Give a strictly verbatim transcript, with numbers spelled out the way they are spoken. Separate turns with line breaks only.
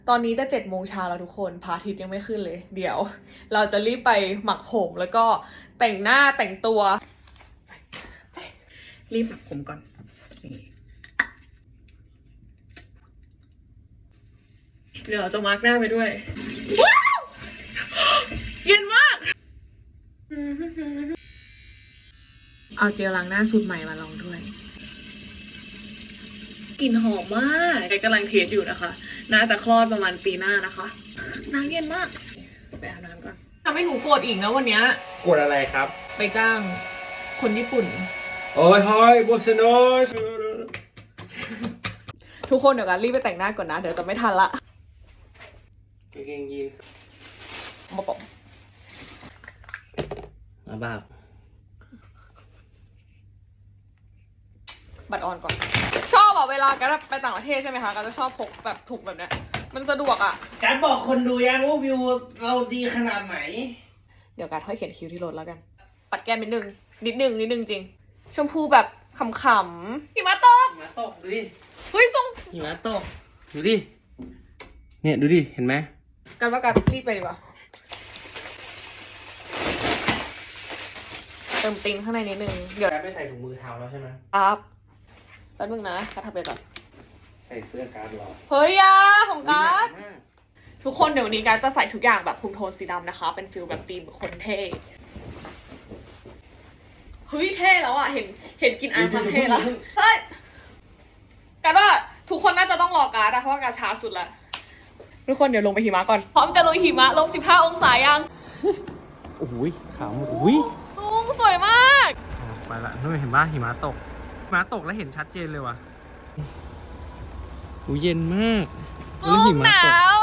ตอนนี้จะเจ็ดโมงเช้าแล้วทุกคนพระอาทิตย์ยังไม่ขึ้นเลยเดี๋ยวเราจะรีบไปหมักผมแล้วก็แต่งหน้าแต่งตัวรีบหมักผมก่อนเดี๋ยวเราจะมาร์กหน้าไปด้วยว้าวเย็นมากเอาเจลล้างหน้าสูตรใหม่มาลองด้วยกลิ่นหอมมากแกกำลังเทสอยู่นะคะน่าจะคลอดประมาณปีหน้านะคะน้ำเย็นมากไปอาบน้ำก่อนทำให้หนูโกรธอีกนะวันนี้
กดอะไรครับ
ไปจ้างคนญี่ปุ่น
โอ้ยฮอยโบสโนส
ทุกคนเดี๋ยวกันรีบไปแต่งหน้าก่อนนะเดี๋ยวจะไม่ทันละ
กางเกงยีนส์
มาปอก
มาบ้า
บัตรออนก่อนชอบอ่ะเวลากันไปต่างประเทศใช่ไหมคะก็จะชอบพกแบบถุงแบบเนี้ยมันสะดวกอ่ะ
การบอกคนดูยังว่าวิวเราดีขนาดไหน
เดี๋ยวการค่อยเขียนคิวที่รถแล้วกันปัดแก้มนิดนึงนิดนึงนิดนึงจริงชมพูแบบขำๆหิมะตก
หิมะตกดูดิ
เฮ้ยทรง
หิมะตกดูดิ เนี่ยดูดิ เห็นไหม
กันว่ากันรีบไปดีกว่าเติมติงข้างในนิดนึงเดี๋ยว
การไม่ใส่ถุงมือเท้าแล้วใช่ไหม
อัพแป๊บนึงนะการทำไปก่อน
ใส่เสื้อการ์ดรอ
เฮ้ยยาของการ์ดทุกคนเดี๋ยววันนี้การ์ดจะใส่ทุกอย่างแบบคุมโทนสีดำนะคะเป็นฟิลแบบธีมคนเท่เฮ้ยเท่แล้วอ่ะเห็นเห็นกินอายความเท่แล้วเฮ้ยการ์ดว่าทุกคนน่าจะต้องรอการ์ดอะเพราะว่าการ์ดช้าสุดละทุกคนเดี๋ยวลงไปหิมะก่อนพร้อมจะลุยหิมะลบสิบห้าองศายัง
โอ้โหขาวหมดอุ้ย
ลุงสวยมาก
ไปละนู่นเห็นป่ะหิมะตกหิมะตกแล้วเห็นชัดเจนเลยว่ะอู้เย็นมาก
ลุงหนาว